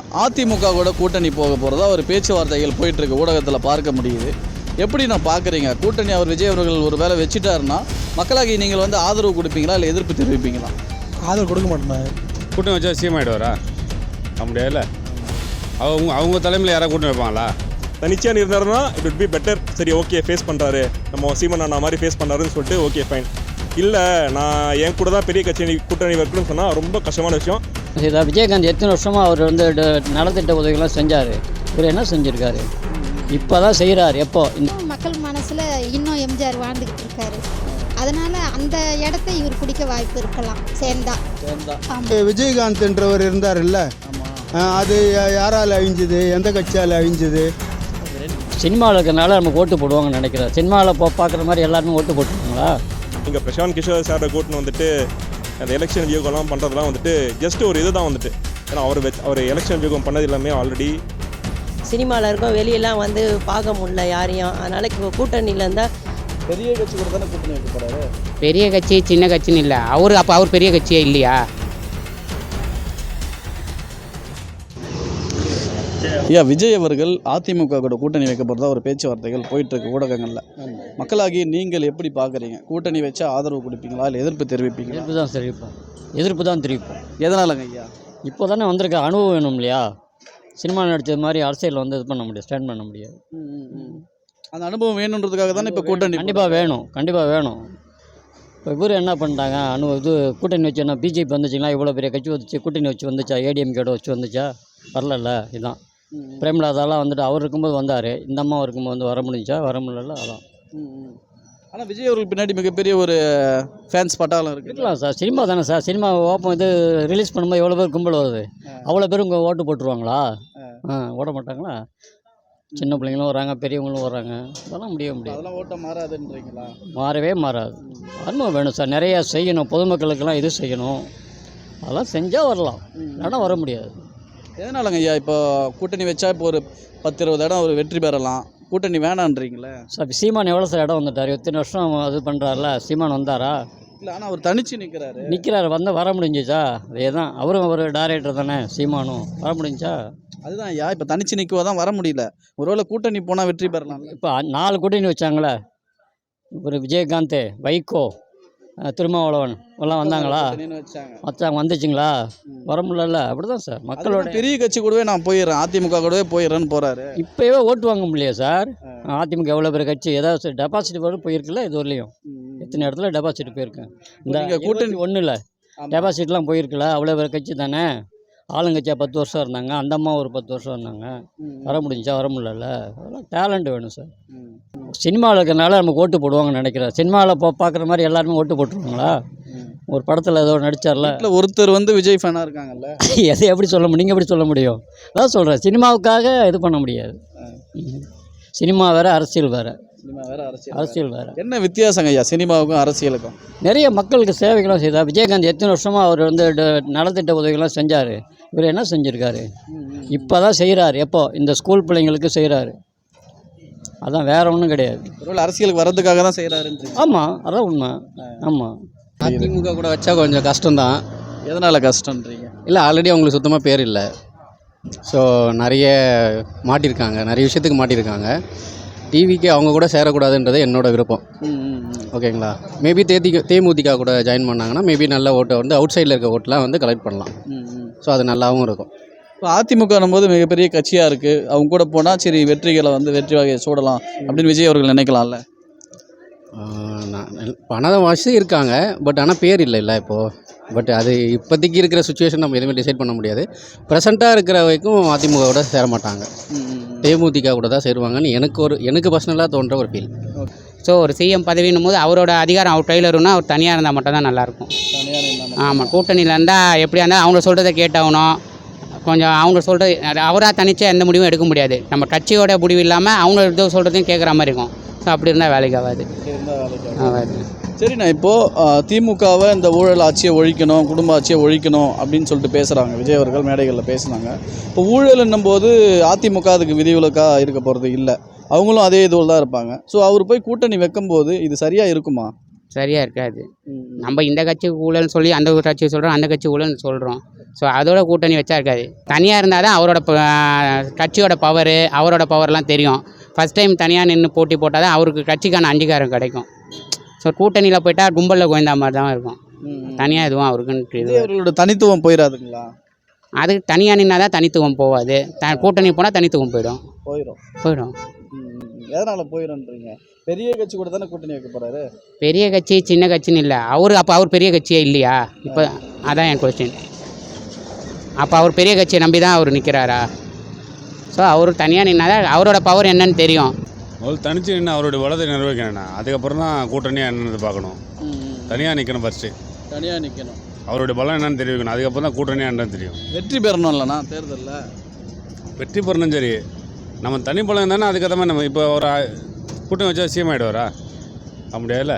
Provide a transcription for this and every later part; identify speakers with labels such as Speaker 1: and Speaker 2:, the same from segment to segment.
Speaker 1: அதிமுக கூட கூட்டணி போக போகிறதா ஒரு பேச்சுவார்த்தைகள் போயிட்டுருக்கு, ஊடகத்தில் பார்க்க முடியுது. எப்படி நான் பார்க்குறீங்க? கூட்டணி அவர் விஜய் அவர்கள் ஒரு வேளை வச்சுட்டாருன்னா மக்களாகி நீங்கள் வந்து ஆதரவு கொடுப்பீங்களா இல்லை எதிர்ப்பு தெரிவிப்பீங்களா?
Speaker 2: ஆதரவு கொடுக்க மாட்டேன்.
Speaker 3: கூட்டணி வச்சா சிஎம் ஆகிடுவாரா? முடியாதுல்ல. அவங்க தலைமையில் யாராவது கூட்டணி வைப்பாங்களா?
Speaker 2: தனிச்சியாக இருந்தாருன்னா இட் வுட் பி பெட்டர். சரி, ஓகே, ஃபேஸ் பண்ணுறாரு, நம்ம சீமன் அண்ணா மாதிரி ஃபேஸ் பண்ணுறாருன்னு சொல்லிட்டு ஓகே ஃபைன். இல்லை, நான் என் கூட தான் பெரிய கட்சி கூட்டணி வைக்கணும்னு சொன்னால் ரொம்ப கஷ்டமான விஷயம்.
Speaker 4: இதை விஜயகாந்த் எத்தனை வருஷமாக அவர் வந்து நலத்திட்ட உதவிகள்லாம் செஞ்சார். இவர் என்ன செஞ்சுருக்காரு? இப்போ தான் செய்கிறார். எப்போ
Speaker 5: மக்கள் மனசில் இன்னும் எம்ஜிஆர் வாழ்ந்துக்கிட்டு இருக்காரு. அதனால் அந்த இடத்த இவர் பிடிக்க வாய்ப்பு இருக்கலாம் சேர்ந்தா.
Speaker 6: விஜயகாந்த் என்றவர் இருந்தார் இல்லை, அது யாரால் அழிஞ்சுது? எந்த கட்சியால் அழிஞ்சுது?
Speaker 4: சினிமாவில் இருக்கிறனால நமக்கு ஓட்டு போடுவாங்கன்னு நினைக்கிறேன். சினிமாவில் பார்க்குற மாதிரி எல்லாருமே ஓட்டு போட்டுருவாங்களா?
Speaker 2: இங்கே பிரசாந்த் கிஷோர் சாரை கூட்டின்னு வந்துட்டு அந்த எலெக்ஷன் வியூகம்லாம் பண்ணுறதுலாம் வந்துட்டு ஜஸ்ட் ஒரு இது தான் வந்துட்டு. ஏன்னா அவர் எலெக்ஷன் வியூகம் பண்ணது எல்லாமே ஆல்ரெடி
Speaker 7: சினிமாவில் இருக்கோம், வெளியெல்லாம் வந்து பார்க்க முடியல யாரையும். அதனால் இப்போ கூட்டணியில் இருந்தால்
Speaker 1: பெரிய கட்சி கூட தானே கூட்டணி வைக்க போகிறாரு.
Speaker 8: பெரிய கட்சி சின்ன கட்சின்னு இல்லை, அப்போ அவர் பெரிய கட்சியே இல்லையா?
Speaker 1: ஐயா, விஜய் அவர்கள் அதிமுக கூட கூட்டணி வைக்க போகிறதா ஒரு பேச்சுவார்த்தைகள் போயிட்டுருக்கு ஊடகங்களில். மக்களாகி நீங்கள் எப்படி பார்க்குறீங்க? கூட்டணி வச்சா ஆதரவு கொடுப்பீங்களா இல்லை எதிர்ப்பு தெரிவிப்பீங்களா?
Speaker 4: எதிர்ப்பு தான் தெரிவிப்போம்.
Speaker 1: எதனாலங்க ஐயா?
Speaker 4: இப்போ தானே வந்திருக்க அனுபவம் வேணும் இல்லையா? சினிமா நடித்தது மாதிரி அரசியலில் வந்து இது பண்ண முடியாது, ஸ்டாண்ட் பண்ண முடியாது.
Speaker 1: அந்த அனுபவம் வேணுன்றதுக்காக தானே இப்போ கூட்டணி
Speaker 4: கண்டிப்பாக வேணும். இப்போ இவர் என்ன பண்ணிட்டாங்க, இது கூட்டணி வச்சு என்ன பிஜேபி வந்துச்சுங்களா? இவ்வளோ பெரிய கட்சி வந்துச்சு, கூட்டணி வச்சு வந்துச்சா? ஏடிஎம்கேட வச்சு வந்துச்சா? வரல. இதுதான் பிரேமலாதாலாம் வந்துட்டு அவர் இருக்கும்போது வந்தார், இந்த அம்மா இருக்கும்போது வந்து வர முடியல. அதான்.
Speaker 1: ஆனால் விஜய் அவர்கள் பின்னாடி மிகப்பெரிய ஒரு ஃபேன்ஸ் பட்டாளம்
Speaker 4: இருக்கலாம் சார். சினிமா தானே சார். சினிமா ஓப்பன் இது ரிலீஸ் பண்ணும்போது எவ்வளோ பேர் கும்பல் வருது? அவ்வளோ பேர் உங்கள் ஓட்டு போட்டுருவாங்களா? ஓட மாட்டாங்களா? சின்ன பிள்ளைங்களும் வராங்க, பெரியவங்களும் வராங்க. அதெல்லாம் முடியாது.
Speaker 1: அதெல்லாம் ஓட்டம் மாறாதுன்றீங்களா?
Speaker 4: மாறவே மாறாது. அனுபவம் வேணும் சார், நிறையா செய்யணும். பொதுமக்களுக்கெல்லாம் இது செய்யணும். அதெல்லாம் செஞ்சால் வரலாம், ஆனால் வர முடியாது.
Speaker 1: எதனாலங்க ஐயா இப்போ கூட்டணி வச்சா இப்போ ஒரு 10-20 இடம் ஒரு வெற்றி பெறலாம், கூட்டணி வேணான்றீங்களே?
Speaker 4: சார் சீமான் எவ்வளோ சார் இடம் வந்துட்டார்? எத்தனை வருஷம் அது பண்ணுறாருல? சீமான் வந்தாரா?
Speaker 1: இல்லை, ஆனால் அவர் தனிச்சு நிற்கிறாரு.
Speaker 4: வந்து வர முடிஞ்சிச்சா? அதே தான், அவரும் ஒரு டைரக்டர் தானே, சீமானும். வர முடிஞ்சா?
Speaker 1: அதுதான் ஐயா, இப்போ தனிச்சு நிற்கவோ தான் வர முடியல. ஒருவேளை கூட்டணி போனால் வெற்றி பெறலாம்.
Speaker 4: இப்போ 4 கூட்டணி வச்சாங்களே, ஒரு விஜயகாந்த், வைகோ, திருமாவளவன் எல்லாம் வந்தாங்களா? வந்துச்சுங்களா? வர முடியல. அப்படிதான் சார், மக்களோட
Speaker 1: பெரிய கட்சி கூடவே நான் போயிடுறேன், அதிமுக கூடவே போயிடுறேன்னு போகிறாரு.
Speaker 4: இப்போவே ஓட்டு வாங்க முடியல சார். அதிமுக எவ்வளோ பெரிய கட்சி, ஏதாவது டெபாசிட் வரும் போயிருக்குல்ல? இது வரலையும் எத்தனை இடத்துல டெபாசிட் போயிருக்கேன். இந்த கூட்டணி ஒன்றும் இல்லை, டெபாசிட்லாம் போயிருக்குல்ல? அவ்வளோ பெரிய கட்சி தானே. ஆளுங்கட்சியாக 10 வருஷம் இருந்தாங்க, அந்த அம்மா ஒரு 10 வருஷம் இருந்தாங்க. வர முடிஞ்சா? வர முடியல. அதெல்லாம் டேலண்ட் வேணும் சார். சினிமாவில் இருக்கிறனால நமக்கு ஓட்டு போடுவாங்கன்னு நினைக்கிறேன். சினிமாவில் பார்க்குற மாதிரி எல்லாருமே ஓட்டு போட்டுருவாங்களா? ஒரு படத்தில் ஏதோ நடித்தார்ல,
Speaker 1: ஒருத்தர் வந்து விஜய் ஃபேனாக இருக்காங்கல்ல,
Speaker 4: எதை எப்படி சொல்ல முடியும்? நீங்கள் எப்படி சொல்ல முடியும்? அதான் சொல்கிறேன், சினிமாவுக்காக இது பண்ண முடியாது. சினிமா வேறு, அரசியல் வேறு. அரசியல் வேறு.
Speaker 1: என்ன வித்தியாசங்க ஐயா சினிமாவுக்கும் அரசியலுக்கும்?
Speaker 4: நிறைய மக்களுக்கு சேவைகளும் செய்தார். விஜயகாந்த் எத்தனை வருஷமாக அவர் வந்து நலத்திட்ட உதவிகள்லாம் செஞ்சார். இவர் என்ன செஞ்சுருக்காரு? இப்போ தான் செய்கிறார். எப்போ? இந்த ஸ்கூல் பிள்ளைங்களுக்கு செய்கிறாரு. அதான், வேற ஒன்றும் கிடையாது.
Speaker 1: ஒருவேளை அரசியலுக்கு வர்றதுக்காக தான் செய்கிறாரு.
Speaker 4: ஆமாம், அதான் உண்மை. ஆமாம்.
Speaker 8: அதிமுக கூட வச்சா கொஞ்சம் கஷ்டம்தான்.
Speaker 1: எதனால் கஷ்டன்றீங்க?
Speaker 8: இல்லை, ஆல்ரெடி அவங்களுக்கு சுத்தமாக பேர் இல்லை. ஸோ நிறைய மாட்டியிருக்காங்க, நிறைய விஷயத்துக்கு மாட்டியிருக்காங்க. டிவிக்கு அவங்க கூட சேரக்கூடாதுன்றது என்னோட விருப்பம். ஓகேங்களா? மேபி தேமுதிக கூட ஜாயின் பண்ணாங்கன்னா மேபி நல்ல ஓட்டை வந்து அவுட் சைடில் இருக்க ஓட்டெலாம் வந்து கலெக்ட் பண்ணலாம். ஸோ அது நல்லாவும் இருக்கும்.
Speaker 1: இப்போ அதிமுக போது மிகப்பெரிய கட்சியாக இருக்குது, அவங்க கூட போனால் சரி வெற்றிகளை வந்து வெற்றி வகையை சூடலாம் அப்படின்னு விஜய் அவர்கள் நினைக்கலாம்ல?
Speaker 8: பண வாசி இருக்காங்க, பட் ஆனால் பேர் இல்லை இப்போது. பட் அது இப்போதைக்கு இருக்கிற சுச்சுவேஷன் நம்ம எதுவுமே டிசைட் பண்ண முடியாது. ப்ரெசண்ட்டாக இருக்கிற வரைக்கும் அதிமுக கூட சேர மாட்டாங்க, தேமுதிக கூட தான் சேருவாங்கன்னு எனக்கு பர்சனலாக தோன்ற ஒரு ஃபீல்.
Speaker 9: ஸோ ஒரு சிஎம் பதவின்னும் போது அவரோட அதிகாரம் அவர் கையில் இருக்குன்னா அவர் தனியாக இருந்தால் மட்டும் தான் நல்லாயிருக்கும். ஆமாம், கூட்டணியில் இருந்தால் எப்படியா இருந்தால் அவங்க சொல்கிறத கேட்டாகணும். கொஞ்சம் அவங்க சொல்கிறது, அவராக தனிச்சா எந்த முடிவும் எடுக்க முடியாது. நம்ம கட்சியோட முடிவு இல்லாமல் அவங்க எதோ சொல்கிறதையும் கேட்குற மாதிரி இருக்கும். ஸோ அப்படி இருந்தால் வேலைக்கு ஆகாது.
Speaker 1: சரிண்ணா, இப்போது திமுகவை இந்த ஊழல் ஆட்சியை ஒழிக்கணும், குடும்ப ஆட்சியை ஒழிக்கணும் அப்படின்னு சொல்லிட்டு பேசுகிறாங்க விஜய் அவர்கள், மேடைகளில் பேசுனாங்க. இப்போ ஊழல் என்னும்போது அதிமுக அதுக்கு விதிவிலக்காக இருக்க போகிறது இல்லை, அவங்களும் அதே இதுவில் தான் இருப்பாங்க. ஸோ அவர் போய் கூட்டணி வைக்கும்போது இது சரியாக இருக்குமா?
Speaker 9: சரியாக இருக்காது. நம்ம இந்த கட்சி ஊழல்னு சொல்லி அந்த ஒரு கட்சி சொல்கிறோம், அந்த கட்சி ஊழல்னு சொல்கிறோம். ஸோ அதோட கூட்டணி வச்சா இருக்காது. தனியாக இருந்தால் தான் அவரோட கட்சியோட பவரு, அவரோட பவர்லாம் தெரியும். ஃபஸ்ட் டைம் தனியாக நின்று போட்டி போட்டால் தான் அவருக்கு கட்சிக்கான அங்கீகாரம் கிடைக்கும். ஸோ கூட்டணியில் போயிட்டால் கும்பலில் கோயந்தா மாதிரி தான் இருக்கும். தனியாக எதுவும் அவருக்குன்னு இது
Speaker 1: அவர்களோட தனித்துவம் போயிடாதுங்களா?
Speaker 9: அது தனியாக நின்னா தான் தனித்துவம் போகாது. கூட்டணி போனால் தனித்துவம் போயிடும்.
Speaker 1: போயிடும். எதனால் போயிடும்ன்றீங்க? பெரிய கட்சி கூட தானே கூட்டணி வைக்க போகிறாரு.
Speaker 9: பெரிய கட்சி சின்ன கட்சின்னு இல்லை. அப்போ அவர் பெரிய கட்சியே இல்லையா? இப்போ அதான் என் கொஸ்டின். அப்போ அவர் பெரிய கட்சியை நம்பி தான் அவர் நிற்கிறாரா? ஸோ அவர் தனியாக நின்னா தான் அவரோட பவர் என்னன்னு தெரியும்.
Speaker 3: முதல்ல தனிச்சு நின்று அவருடைய வளத்தை நிர்வகிக்கணும்ண்ணா, அதுக்கப்புறம் தான் கூட்டணியாக என்னன்னு பார்க்கணும். தனியாக நிற்கணும் ஃபஸ்ட்டு.
Speaker 1: தனியாக நிற்கணும்.
Speaker 3: அவருடைய பலம் என்னன்னு தெரிவிக்கணும், அதுக்கப்புறம் தான் கூட்டணியாக என்னன்னு தெரியும்.
Speaker 1: வெற்றி பெறணும் இல்லைண்ணா தேர்தலில்?
Speaker 3: வெற்றி பெறணும் சரி, நம்ம தனி பலம் தானே அதுக்கேற்ற மாதிரி. நம்ம இப்போ ஒரு கூட்டணி வச்சா சிஎம் ஆகிடுவாரா? அப்ப முடியாதுல்ல.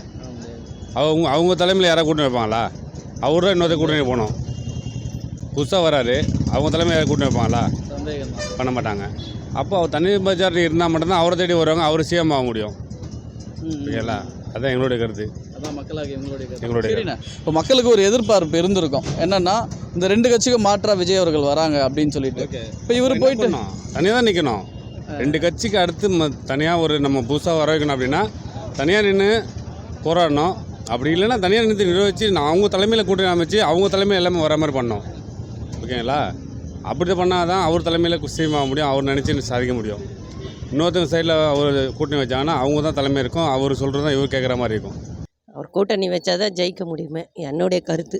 Speaker 3: அவங்க தலைமையில் யாராவது கூட்டணி வைப்பாங்களா? அவர் தான் இன்னொருத்த கூட்டணி போகணும். புதுசாக வராரு, அவங்க தலைமையில் யாராவது கூட்டணி வைப்பாங்களா? பண்ண மாட்டாங்க. அப்போ அவர் தனி மெஜாரிட்டி இருந்தால் மட்டும்தான் அவரை தேடி வருவாங்க, அவர் சிஎம் ஆக முடியும். ஓகேங்களா? அதுதான் எங்களுடைய கருத்து.
Speaker 1: அதான் மக்களாக எங்களுடைய சரிண்ணா. இப்போ மக்களுக்கு ஒரு எதிர்பார்ப்பு இருந்திருக்கும் என்னன்னா, இந்த 2 கட்சிக்கும் மாற்றா விஜய் அவர்கள் வராங்க அப்படின்னு சொல்லிட்டு. இப்போ இவர் போயிட்டு
Speaker 3: தனியாக தான் நிற்கணும். 2 கட்சிக்கு அடுத்து தனியாக ஒரு நம்ம புதுசாக வர வைக்கணும் அப்படின்னா தனியாக நின்று போராடணும். அப்படி இல்லைன்னா தனியாக நின்று நிர்வகிச்சு அவங்க தலைமையில் கூட்டணி அமைச்சு அவங்க தலைமையில் எல்லாமே வர மாதிரி பண்ணோம். ஓகேங்களா? அப்படி பண்ணால் தான் அவர் தலைமையில் சிஎம் ஆக முடியும், அவர் நினச்சி சாதிக்க முடியும். இன்னொருத்தங்க சைடில் அவர் கூட்டணி வச்சாங்கன்னா அவங்க தான் தலைமை இருக்கும், அவர் சொல்கிறது தான் இவர் கேட்குற மாதிரி இருக்கும்.
Speaker 7: அவர் கூட்டணி வச்சா தான் ஜெயிக்க முடியுமே, என்னுடைய கருத்து.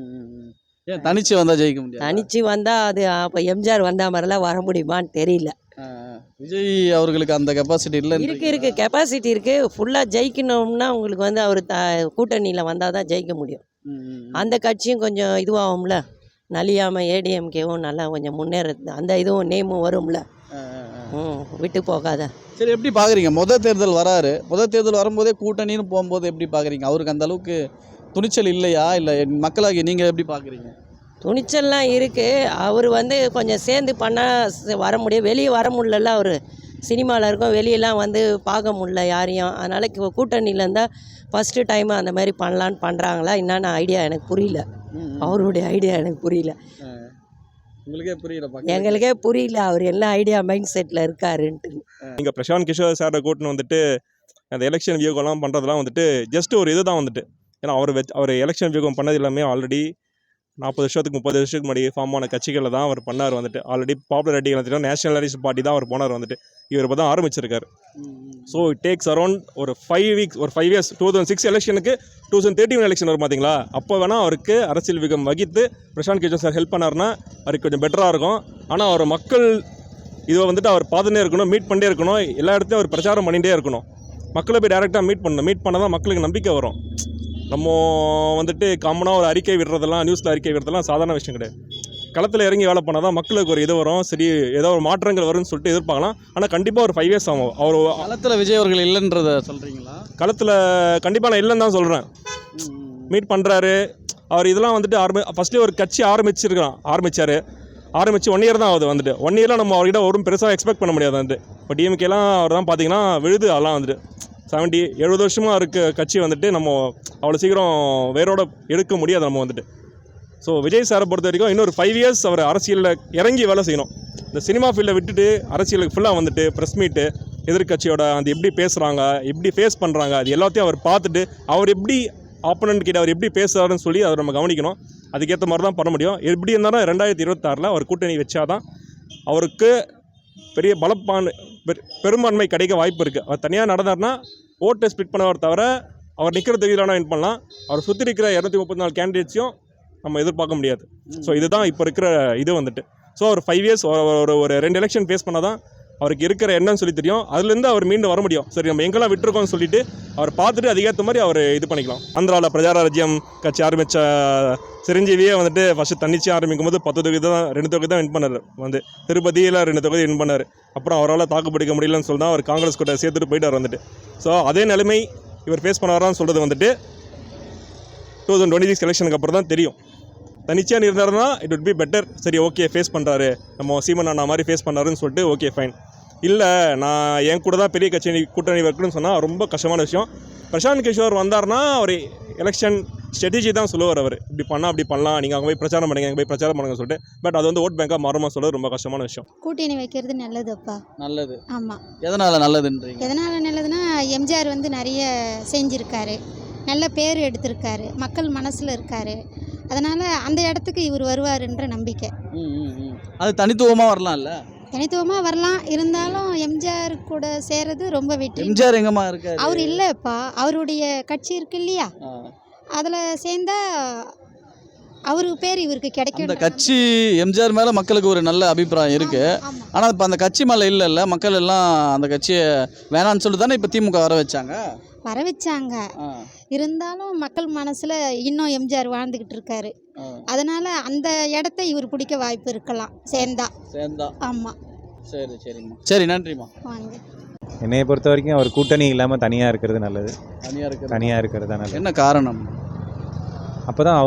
Speaker 1: ஏன் தனிச்சு வந்தால் ஜெயிக்க முடியாது?
Speaker 7: தனிச்சு வந்தால் அது அப்போ எம்ஜிஆர் வந்தா மாதிரிலாம் வர முடியுமான்னு தெரியல.
Speaker 1: விஜய் அவர்களுக்கு அந்த கெப்பாசிட்டி இல்லை.
Speaker 7: இருக்குது கெப்பாசிட்டி இருக்குது. ஃபுல்லாக ஜெயிக்கணும்னா உங்களுக்கு வந்து அவர் கூட்டணியில் வந்தால் தான் ஜெயிக்க முடியும். அந்த கட்சியும் கொஞ்சம் இதுவாகும்ல, நலியாமல் ஏடிஎம்கேவும் நல்லா கொஞ்சம் முன்னேறது, அந்த இதுவும் நேமும் வரும்ல. விட்டு போகாத.
Speaker 1: சரி, எப்படி பார்க்குறீங்க? முதல் தேர்தல் வராரு, முதல் தேர்தல் வரும்போதே கூட்டணின்னு போகும்போது எப்படி பார்க்குறீங்க? அவருக்கு அந்த அளவுக்கு துணிச்சல் இல்லையா? இல்லை மக்களாகி நீங்கள் எப்படி பார்க்குறீங்க?
Speaker 7: துணிச்சல்லாம் இருக்குது. அவர் வந்து கொஞ்சம் சேர்ந்து பண்ணால் வர முடியும். வெளியே வர முடியல. அவர் சினிமாவில் இருக்கும், வெளியெல்லாம் வந்து பார்க்க முடியல யாரையும். அதனால் கூட்டணியில் இருந்தால் ஃபஸ்ட்டு டைம் அந்த மாதிரி பண்ணலான்னு பண்ணுறாங்களா என்னென்ன ஐடியா எனக்கு புரியல. அவருடைய ஐடியா எனக்கு புரியல.
Speaker 1: உங்களுக்கே புரியல?
Speaker 7: எங்களுக்கே புரியல அவர் என்ன ஐடியா மைண்ட் செட்டில் இருக்காருன்ட்டு.
Speaker 2: இங்கே பிரசாந்த் கிஷோர் சாரை கூட்டின்னு வந்துட்டு அந்த எலெக்ஷன் வியூகம்லாம் பண்ணுறதுலாம் வந்துட்டு ஜஸ்ட் ஒரு இது தான் வந்துட்டு. ஏன்னா அவர் எலெக்ஷன் வியூகம் பண்ணது எல்லாமே ஆல்ரெடி 40 வருஷத்துக்கு 30 வருஷத்துக்கு முன்னாடி ஃபார்ம் ஆன கட்சிகளில் தான் அவர் பண்ணார் வந்துட்டு. ஆல்ரெடி பாப்புலரிட்டி வந்துட்டு நேஷனலிஸ்ட் பார்ட்டி தான் அவர் போனார் வந்துட்டு. இவர் இப்போ தான் ஆரம்பிச்சிருக்காரு. ஸோ இட் டேக்ஸ் அரௌண்ட் ஒரு 5 வீக்ஸ், ஒரு 5 இயர்ஸ். 2006 எலெக்ஷனுக்கு 2013 எலெக்ஷன் வரும் பார்த்தீங்களா? அப்போ வேணால் அவருக்கு அரசியல் விகம் வகித்து பிரசாந்த் கிஷோர் சார் ஹெல்ப் பண்ணார்னா அவருக்கு கொஞ்சம் பெட்டராக இருக்கும். ஆனால் அவர் மக்கள் இதை வந்துட்டு அவர் பார்த்துட்டே இருக்கணும், மீட் பண்ணிட்டே இருக்கணும், எல்லா இடத்துலையும் அவர் பிரச்சாரம் பண்ணிகிட்டே இருக்கணும். மக்களை போய் டேரெக்டாக மீட் பண்ணால் தான் மக்களுக்கு நம்பிக்கை வரும். நம்ம வந்துட்டு காமனாக ஒரு அறிக்கை விடுறதெல்லாம், நியூஸில் அறிக்கை விடுறதெல்லாம் சாதாரண விஷயம் கிடையாது. களத்தில் இறங்கி வேலை பண்ணால் தான் மக்களுக்கு ஒரு இது வரும். சரி, ஏதோ ஒரு மாற்றங்கள் வரும்னு சொல்லிட்டு எதிர்பார்க்கலாம். ஆனால் கண்டிப்பாக ஒரு 5 இயர்ஸ் ஆகும். அவர்
Speaker 1: களத்தில் விஜய் அவர்கள் இல்லைன்றத சொல்கிறீங்களா?
Speaker 2: களத்தில் கண்டிப்பாக நான் இல்லைன்னு தான் சொல்கிறேன். மீட் பண்ணுறாரு அவர். இதெல்லாம் வந்துட்டு ஃபஸ்ட்லேயே ஒரு கட்சி ஆரம்பித்தார். ஆரம்பித்து 1 இயர் தான் ஆகுது வந்துட்டு. 1 இயரில் நம்ம அவர்கிட்ட ஒரு பெருசாக எக்ஸ்பெக்ட் பண்ண முடியாது வந்துட்டு. இப்போ டிஎம்கேலாம் அவர் தான் பார்த்தீங்கன்னா விழுது. அதெல்லாம் வந்துட்டு 70-70 வருஷமாக இருக்க கட்சி வந்துட்டு நம்ம அவ்வளோ சீக்கிரம் வேரோட எடுக்க முடியாது நம்ம வந்துட்டு. ஸோ விஜய் சாரை பொறுத்த வரைக்கும் இன்னொரு 5 இயர்ஸ் அவர் அரசியலில் இறங்கி வேலை செய்யணும். இந்த சினிமா ஃபீல்டை விட்டுட்டு அரசியலுக்கு ஃபுல்லாக வந்துட்டு ப்ரெஸ் மீட்டு, எதிர்கட்சியோட அந்த எப்படி பேசுகிறாங்க, எப்படி ஃபேஸ் பண்ணுறாங்க, அது எல்லாத்தையும் அவர் பார்த்துட்டு அவர் எப்படி ஆப்போனன்ட் கிட்ட அவர் எப்படி பேசுகிறாருன்னு சொல்லி அதை நம்ம கவனிக்கணும். அதுக்கேற்ற மாதிரி தான் பண்ண முடியும். எப்படி இருந்தாலும் 2026 அவர் கூட்டணி வச்சாதான் அவருக்கு பெரிய பெரும்பான்மை கிடைக்க வாய்ப்பு இருக்குது. அவர் தனியாக நடந்தார்னா ஓட்டை ஸ்பிட் பண்ணவர் தவிர அவர் நிற்கிற தொகுதியிலான வின் பண்ணலாம். அவர் சுற்றி இருக்கிற 234 கேண்டிடேட்ஸையும் நம்ம எதிர்பார்க்க முடியாது. ஸோ இதுதான் இப்போ இருக்கிற இது வந்துட்டு. ஸோ அவர் 5 இயர்ஸ் ஒரு 2 எலெக்ஷன் ஃபேஸ் பண்ணால் தான் அவருக்கு இருக்கிற என்னன்னு சொல்லி தெரியும். அதுலேருந்து அவர் மீண்டும் வர முடியும். சரி, நம்ம எங்கெல்லாம் விட்டுருக்கோம்னு சொல்லிட்டு அவர் பார்த்துட்டு அதுக்கேற்ற மாதிரி அவர் இது பண்ணிக்கலாம். ஆந்திராவில் பிரஜாராஜ்யம் கட்சி ஆரம்பித்த சிரஞ்சீவியே வந்துட்டு ஃபஸ்ட்டு தன்னிச்சு ஆரம்பிக்கும் போது 10 தொகுதி தான் 2 தொகுதி தான் வின் பண்ணார். திருப்பதியில் 2 தொகுதி வின் பண்ணார். அப்புறம் அவரால் தாக்குப்பிடிக்க முடியலன்னு சொல்லி தான் அவர் காங்கிரஸ் கூட சேர்த்துட்டு போயிட்டார் வந்துட்டு. ஸோ அதே நிலைமை இவர் ஃபேஸ் பண்ண சொல்கிறது வந்துட்டு 2026 எலெக்ஷனுக்கு அப்புறம் தான் தெரியும். தனிச்சியாக இருந்தாருன்னா இட் would be பெட்டர். சரி, ஓகே, ஃபேஸ் பண்ணுறாரு, நம்ம சீமன் அண்ணா மாதிரி ஃபேஸ் பண்ணாருன்னு சொல்லிட்டு ஓகே ஃபைன். இல்லை, நான் என் கூட தான் பெரிய கட்சி கூட்டணி வைக்கணும்னு சொன்னால் ரொம்ப கஷ்டமான விஷயம். பிரசாந்த் கிஷோர் வந்தார்னா அவர் எலெக்ஷன் ஸ்ட்ராட்டஜி தான் சொல்லுவார். அவர் இப்படி பண்ணால் அப்படி பண்ணலாம், நீங்கள் அங்கே போய் பிரச்சாரம் பண்ணுங்க, அங்கே போய் பிரச்சாரம் பண்ணுங்க சொல்லிட்டு. பட் அது வந்து ஓட் பேங்காக மாறுமா சொல்கிறது ரொம்ப கஷ்டமான விஷயம்.
Speaker 5: கூட்டணி வைக்கிறது நல்லதுப்பா.
Speaker 1: நல்லது.
Speaker 5: ஆமாம்.
Speaker 1: எதனால் நல்லதுன்றீங்க?
Speaker 5: எதனால் நல்லதுன்னா எம்ஜிஆர் வந்து நிறைய செஞ்சுருக்காரு, நல்ல பேர் எடுத்திருக்காரு, மக்கள் மனசில் இருக்கார். அதனால் அந்த இடத்துக்கு இவர் வருவாருன்ற நம்பிக்கை.
Speaker 1: அது தனித்துவமாக வரலாம்ல?
Speaker 5: தனித்துவமாக வரலாம், இருந்தாலும் எம்ஜிஆர் கூட சேர்றது ரொம்ப வெற்றி.
Speaker 1: எம்ஜிஆர் எங்கம்மா இருக்காரு?
Speaker 5: அவர் இல்லைப்பா, அவருடைய கட்சி இருக்கு இல்லையா, அதில் சேர்ந்தா அவருக்கு பேர் இவருக்கு கிடைக்கும்.
Speaker 1: அந்த கட்சி எம்ஜிஆர் மேலே மக்களுக்கு ஒரு நல்ல அபிப்பிராயம் இருக்குது. ஆனால் இப்போ அந்த கட்சி மேலே இல்லைல்ல, மக்கள் எல்லாம் அந்த கட்சியை வேணான்னு சொல்லிட்டு தானே இப்போ திமுக வர வச்சாங்க. இருந்தாலும் மக்கள் மனசில் இன்னும் எம்ஜிஆர் வாழ்ந்துக்கிட்டு இருக்காரு. அதனால் அந்த இடத்த இவர் பிடிக்க வாய்ப்பு இருக்கலாம் சேர்ந்தா. ஆமாம். சரி சரிம்மா. சரி, நன்றிம்மா.
Speaker 5: வாங்க.
Speaker 10: என்னையை பொறுத்த வரைக்கும் அவர் கூட்டணி இல்லாமல் தனியாக இருக்கிறது நல்லது. தனியாக இருக்கிறது தான் நல்லது.
Speaker 1: என்ன காரணம்?
Speaker 10: அப்போ தான்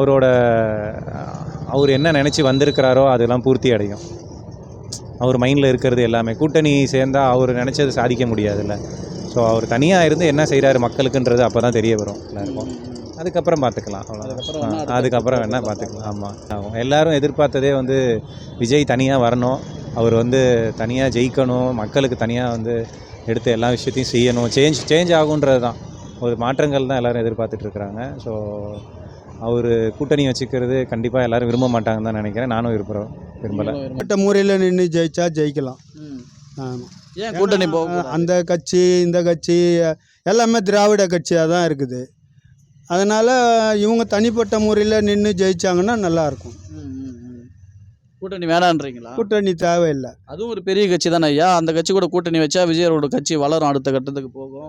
Speaker 10: அவர் என்ன நினச்சி வந்திருக்கிறாரோ அதெல்லாம் பூர்த்தி அடையும். அவர் மைண்டில் இருக்கிறது எல்லாமே. கூட்டணி சேர்ந்தால் அவர் நினச்சது சாதிக்க முடியாதுல்ல. ஸோ அவர் தனியாக இருந்து என்ன செய்கிறாரு மக்களுக்குன்றது அப்போ தான் தெரிய வரும் எல்லாருக்கும். அதுக்கப்புறம் பார்த்துக்கலாம், அவ்வளோதான். அதுக்கப்புறம் வேணால் பார்த்துக்கலாம். ஆமாம், எல்லோரும் எதிர்பார்த்ததே வந்து விஜய் தனியாக வரணும், அவர் வந்து தனியாக ஜெயிக்கணும், மக்களுக்கு தனியாக வந்து எடுத்து எல்லா விஷயத்தையும் செய்யணும், சேஞ்ச் ஆகுன்றது தான். ஒரு மாற்றங்கள் தான் எல்லோரும் எதிர்பார்த்துட்ருக்குறாங்க. ஸோ அவர் கூட்டணி வச்சுக்கிறது கண்டிப்பாக எல்லோரும் விரும்ப மாட்டாங்கன்னு தான் நினைக்கிறேன். நானும் விரும்பலை.
Speaker 6: முறையில் நின்று ஜெயிச்சா ஜெயிக்கலாம். ஆமாம்.
Speaker 1: ஏன் கூட்டணி
Speaker 6: அந்த கட்சி இந்த கட்சி எல்லாமே திராவிட கட்சியாக தான் இருக்குது. அதனால் இவங்க தனிப்பட்ட முறையில் நின்று ஜெயிச்சாங்கன்னா நல்லாயிருக்கும்.
Speaker 1: கூட்டணி வேணான்றீங்களா?
Speaker 6: கூட்டணி தேவையில்லை.
Speaker 1: அதுவும் ஒரு பெரிய கட்சி தானே ஐயா. அந்த கட்சி கூட கூட்டணி வச்சா விஜயோட கட்சி வளரும், அடுத்த கட்டத்துக்கு போகும்.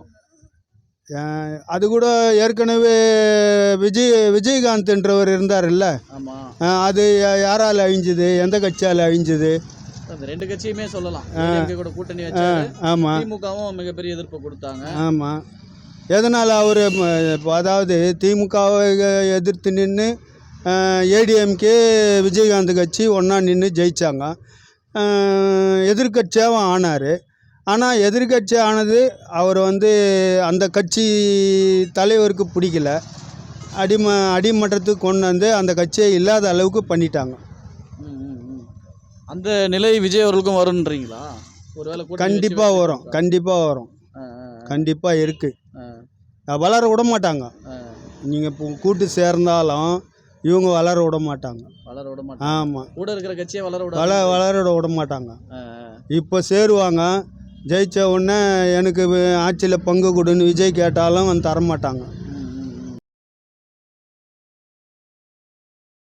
Speaker 6: அது கூட ஏற்கனவே விஜயகாந்த்ன்றவர் இருந்தார்ல, அது யாரால் அழிஞ்சுது, எந்த கட்சியால் அழிஞ்சுது?
Speaker 1: அந்த ரெண்டு கட்சியுமே சொல்லலாம். கூட கூட்டணி வச்சா.
Speaker 6: ஆமாம்.
Speaker 1: திமுகவும் மிகப்பெரிய எதிர்ப்பு கொடுத்தாங்க.
Speaker 6: ஆமாம். எதனால் அவர் அதாவது திமுகவை எதிர்த்து நின்று ஏடிஎம்கே விஜயகாந்த் கட்சி ஒன்றா நின்று ஜெயித்தாங்க. எதிர்கட்சியாகவும் ஆனார். ஆனால் எதிர்கட்சி ஆனது அவர் வந்து அந்த கட்சி தலைவருக்கு பிடிக்கல. அடிமட்டத்துக்கு கொண்டு வந்து அந்த கட்சியை இல்லாத அளவுக்கு பண்ணிட்டாங்க.
Speaker 1: அந்த நிலை விஜய் அவர்களுக்கும் வரும்ன்றீங்களா? ஒருவேளை
Speaker 6: கண்டிப்பாக வரும். கண்டிப்பாக இருக்குது. வளர விட மாட்டாங்க. நீங்கள் இப்போ கூட்டு சேர்ந்தாலும் இவங்க வளர விட மாட்டாங்க. ஆமாம்.
Speaker 1: கூட இருக்கிற கட்சியை
Speaker 6: வளர விட மாட்டாங்க. இப்போ சேருவாங்க, ஜெயித்த உடனே எனக்கு ஆட்சியில் பங்கு கொடுன்னு விஜய் கேட்டாலும் வந்து தரமாட்டாங்க.